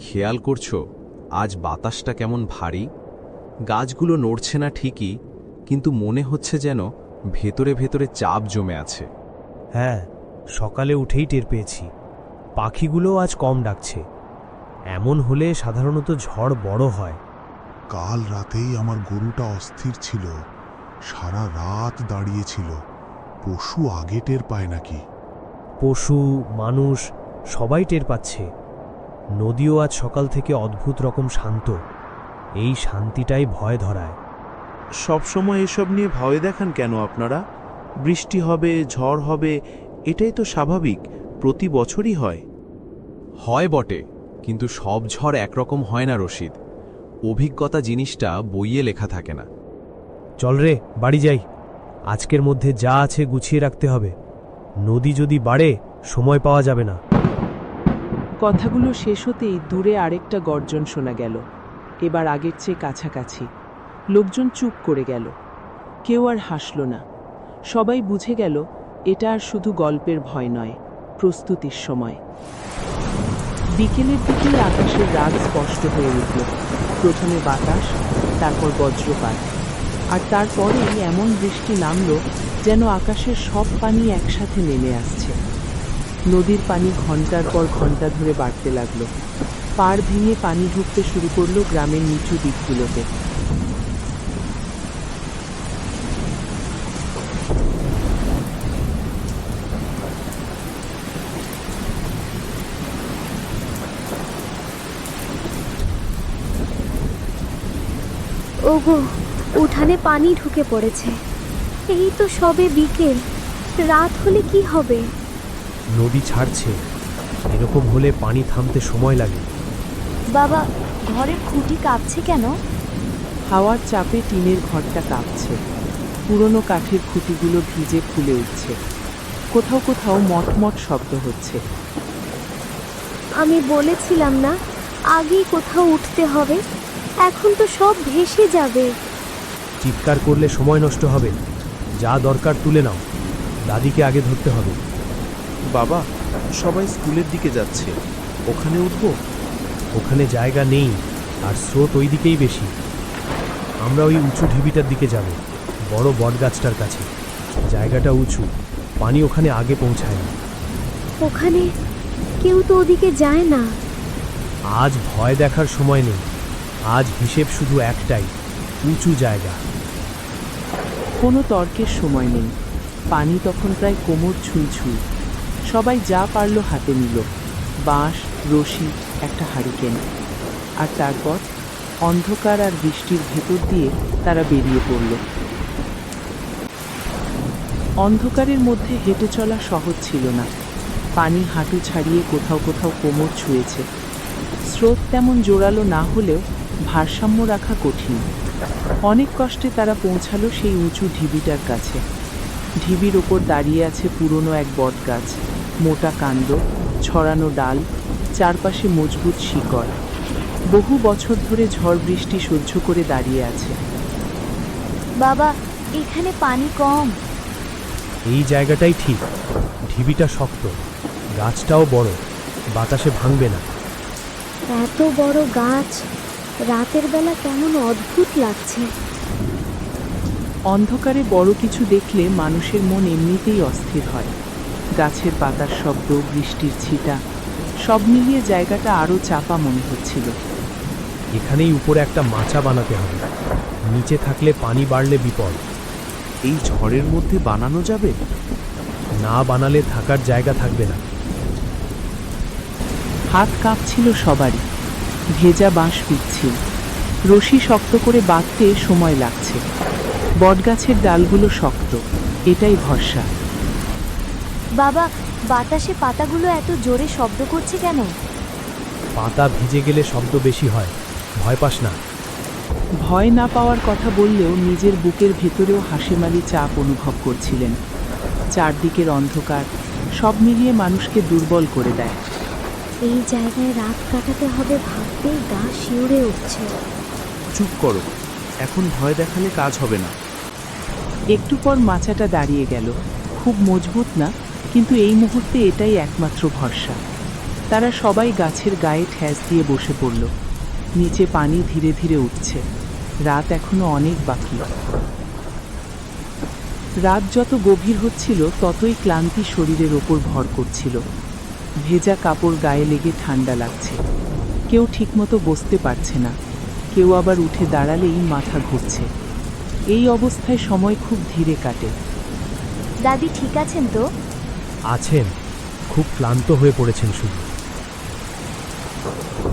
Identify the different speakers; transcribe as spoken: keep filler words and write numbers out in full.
Speaker 1: খেয়াল করছো আজ বাতাসটা কেমন ভারী? গাছগুলো নড়ছে না ঠিকই, কিন্তু মনে হচ্ছে যেন ভেতরে ভেতরে চাপ জমে আছে।
Speaker 2: হ্যাঁ, সকালে উঠেই টের পেয়েছি, পাখিগুলো আজ কম ডাকছে। এমন হলে সাধারণত ঝড় বড় হয়।
Speaker 3: কাল রাতেই আমার গরুটা অস্থির ছিল, সারা রাত দাঁড়িয়েছিল। পশু আগে টের পায় নাকি?
Speaker 2: পশু, মানুষ সবাই টের পাচ্ছে। নদীও আজ সকাল থেকে অদ্ভুত রকম শান্ত। এই শান্তিটাই ভয় ধরায়।
Speaker 4: সবসময় এসব নিয়ে ভয় দেখান কেন আপনারা? বৃষ্টি হবে, ঝড় হবে, এটাই তো স্বাভাবিক, প্রতি বছরই হয়।
Speaker 1: হয় বটে, কিন্তু সব ঝড় একরকম হয় না রশিদ। অভিজ্ঞতা জিনিসটা বইয়ে লেখা থাকে না।
Speaker 2: চল রে, বাড়ি যাই। আজকের মধ্যে যা আছে গুছিয়ে রাখতে হবে। নদী যদি বাড়ে, সময় পাওয়া যাবে না।
Speaker 5: কথাগুলো শেষ হতেই দূরে আরেকটা গর্জন শোনা গেল, এবার আগের চেয়ে কাছাকাছি। লোকজন চুপ করে গেল, কেউ আর হাসল না। সবাই বুঝে গেল এটা আর শুধু গল্পের ভয় নয়, প্রস্তুতির সময়। বিকেলের দিকে আকাশের রাগ স্পষ্ট হয়ে উঠল। প্রথমে বাতাস, তারপর বজ্রপাত, আর তারপরেই এমন বৃষ্টি নামল যেন আকাশের সব পানি একসাথে নেমে আসছে। নদীর পানি ঘন্টার পর ঘন্টা ধরে বাড়তে লাগলো। পাড় ভেঙে পানি ঢুকতে শুরু করলো গ্রামের নিচু দিকগুলোতে।
Speaker 6: ওগো, উঠানে পানি ঢুকে পড়েছে। এই তো সবে বিকেল, রাত হলে কি হবে?
Speaker 2: নদী ছাড়ছে, এরকম হলে পানি থামতে সময় লাগে।
Speaker 6: বাবা, ঘরের খুঁটি কাঁপছে কেন?
Speaker 5: হাওয়ার চাপে টিনের ঘরটা কাঁপছে। পুরনো কাঠের খুঁটিগুলো ভিজে ফুলে উঠছে। কোথাও কোথাও মটমট শব্দ হচ্ছে।
Speaker 6: আমি বলেছিলাম না আগেই কোথাও উঠতে হবে? এখন তো সব ভেসে যাবে।
Speaker 2: চিৎকার করলে সময় নষ্ট হবে। যা দরকার তুলে নাও, দাদিকে আগে ধরতে হবে।
Speaker 4: বাবা, সবাই স্কুলের দিকে যাচ্ছে, ওখানে উঠব?
Speaker 2: ওখানে জায়গা নেই, আর স্রোত ওই দিকেই বেশি। আমরা ওই উঁচু ঢিবিটার দিকে যাব, বড় বটগাছটার কাছে। জায়গাটা উঁচু, পানি ওখানে আগে পৌঁছায় না।
Speaker 6: ওখানে কেউ তো ওদিকে যায় না।
Speaker 2: আজ ভয় দেখার সময় নেই। আজ হিসেব শুধু একটাই, উঁচু জায়গা।
Speaker 5: কোনো তর্কের সময় নেই। পানি তখন প্রায় কোমর ছুঁই ছুঁই। সবাই যা পারল হাতে নিল, বাঁশ, রশি, একটা হারিকেন। আর তারপর অন্ধকার আর বৃষ্টির ভেতর দিয়ে তারা বেরিয়ে পড়ল। অন্ধকারের মধ্যে হেঁটে চলা সহজ ছিল না। পানি হাঁটু ছাড়িয়ে কোথাও কোথাও কোমর ছুঁয়েছে। স্রোত তেমন জোরালো না হলেও ভারসাম্য রাখা কঠিন। অনেক কষ্টে তারা পৌঁছালো সেই উঁচু ঢিবিটার কাছে। ঢিবির ওপর দাঁড়িয়ে আছে পুরনো এক বটগাছ, মোটা কাণ্ড, ছড়ানো ডাল, চারপাশে মজবুত শিকড়। বহু বছর ধরে ঝড় বৃষ্টি সহ্য করে দাঁড়িয়ে আছে।
Speaker 6: বাবা, এখানে পানি কম।
Speaker 2: এই জায়গাটাই ঠিক। ঢিবিটা শক্ত, গাছটাও বড়, বাতাসে ভাঙবে না।
Speaker 6: এত বড় গাছ, রাতের বেলা কেমন অদ্ভুত লাগছে।
Speaker 5: অন্ধকারে বড় কিছু দেখলে মানুষের মন এমনিতেই অস্থির হয়। গাছের পাতার শব্দ, বৃষ্টির ছিটা, সব মিলিয়ে জায়গাটা আরও চাপা মনে হচ্ছিল।
Speaker 2: এখানেই উপরে একটা মাচা বানাতে হবে। নিচে থাকলে পানি বাড়লে বিপদ।
Speaker 4: এই ঝড়ের মধ্যে বানানো যাবে?
Speaker 2: না বানালে থাকার জায়গা থাকবে না।
Speaker 5: হাত কাঁপছিল সবারই। ভেজা বাঁশ পিচ্ছিল, রশি শক্ত করে বাঁধতে সময় লাগছে। বটগাছের ডালগুলো শক্ত, এটাই ভরসা।
Speaker 6: বাবা, বাতাসে পাতাগুলো এত জোরে শব্দ করছে কেন?
Speaker 2: পাতা ভিজে গেলে শব্দ বেশি হয়, ভয় পাস না।
Speaker 5: ভয় না পাওয়ার কথা বললেও নিজের বুকের ভেতরেও হাসিমালি চাপ অনুভব করছিলেন। চারদিকের অন্ধকার সব মিলিয়ে মানুষকে দুর্বল করে দেয়।
Speaker 6: এই জায়গায় রাত কাটাতে হবে ভাবতেই গা শিউরে উঠছে।
Speaker 4: চুপ করো, এখন ভয় দেখালে কাজ হবে না।
Speaker 5: একটু পর মাচাটা দাঁড়িয়ে গেল। খুব মজবুত না, কিন্তু এই মুহূর্তে এটাই একমাত্র ভরসা। তারা সবাই গাছের গায়ে ঠেস দিয়ে বসে পড়ল। নিচে পানি ধীরে ধীরে উঠছে। রাত এখনো অনেক বাকি। রাত যত গভীর হচ্ছিল ততই ক্লান্তি শরীরের ওপর ভর করছিল। ভেজা কাপড় গায়ে লেগে ঠান্ডা লাগছে। কেউ ঠিকমতো বসতে পারছে না, কেউ আবার উঠে দাঁড়ালেই মাথা ঘুরছে। এই অবস্থায় সময় খুব ধীরে কাটে।
Speaker 6: দাদি ঠিক আছেন তো?
Speaker 2: আছেন, খুব ক্লান্ত হয়ে পড়েছেন শুধু।